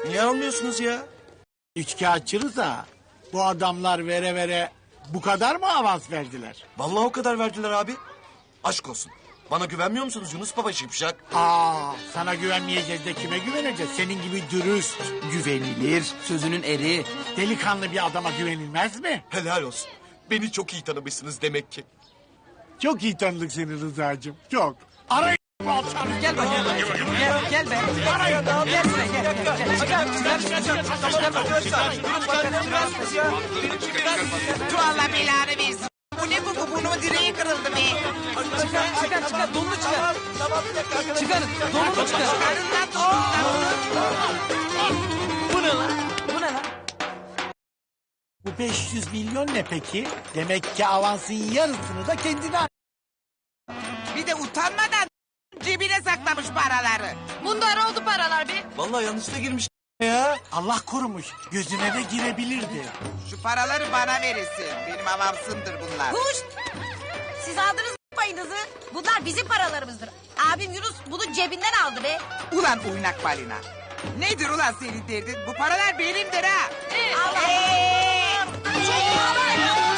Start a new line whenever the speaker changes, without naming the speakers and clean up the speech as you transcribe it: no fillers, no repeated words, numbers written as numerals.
Niye almıyorsunuz ya?
Üçkağıtçı da bu adamlar vere vere bu kadar mı avans verdiler?
Vallahi o kadar verdiler abi. Aşk olsun. Bana güvenmiyor musunuz Yunus Baba Şipşak?
Sana güvenmeyeceğiz de kime güveneceğiz? Senin gibi dürüst,
Güvenilir, sözünün eri.
delikanlı bir adama güvenilmez mi?
Helal olsun. Beni çok iyi tanımışsınız demek ki.
Çok iyi tanıdık seni Rıza'cığım, çok. Arayın bu alçanı.
Gel bakayım. Gel be. Gel buraya gel.
Tu Allah belanı versin. Bu ne bu? Bunun direği kırıldı be.
Çıkar. Donunu çıkar. Çıkarın. Donunu çıkar.
Karın lan donunu.
Bu ne lan?
Bu 500 milyon ne peki? Demek ki avansın yarısını da kendine al.
Bir de utanmadan cebine saklamış paraları.
Bunlar oldu paralar be.
Vallahi yanlışlıkla girmiş ya.
Allah korumuş, gözüne de girebilirdi.
Şu paraları bana verirsin. Benim avamsımdır bunlar.
Huş! Siz aldınız mı payınızı? Bunlar bizim paralarımızdır. Abim Yunus bunu cebinden aldı be.
Ulan oynak balina. Nedir ulan senin derdin? Bu paralar benimdir ha.
Allah!